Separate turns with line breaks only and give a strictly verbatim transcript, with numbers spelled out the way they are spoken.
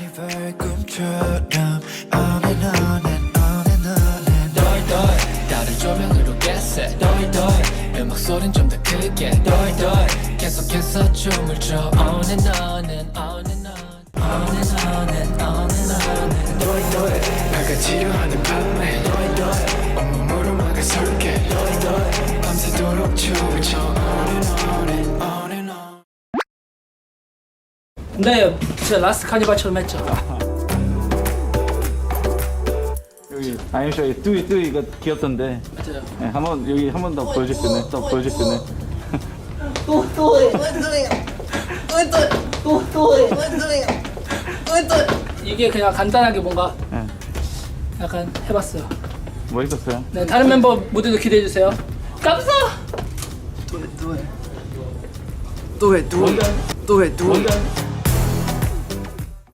카니발 꿈처럼 on and on and on and on and 덜덜 다른 조명으로 get 덜덜 음악 소린 좀 더 크게 덜덜 계속해서 춤을 춰 on and on and on and on on and on and on and on and 덜덜 밝아지려 하는 밤에 덜덜 온몸으로 막아설게 덜덜 밤새도록 춤을 춰 on and on and on and on.
네, 진짜 라스트 카니발처럼 했죠.
여기 아임쇼 뚜이 뚜이 이거 귀엽던데.
맞아요.
네, 한번 여기 한 번 더 보여줄 수 있네. 또 보여줄 수 있네.
또 또 해. 또또또또해. 또또
이게 그냥 간단하게 뭔가
네.
약간 해봤어요.
멋있었어요.
네, 다른 멤버 무대도 기대해 주세요. 감사.
또해 또해 또해 또해 또해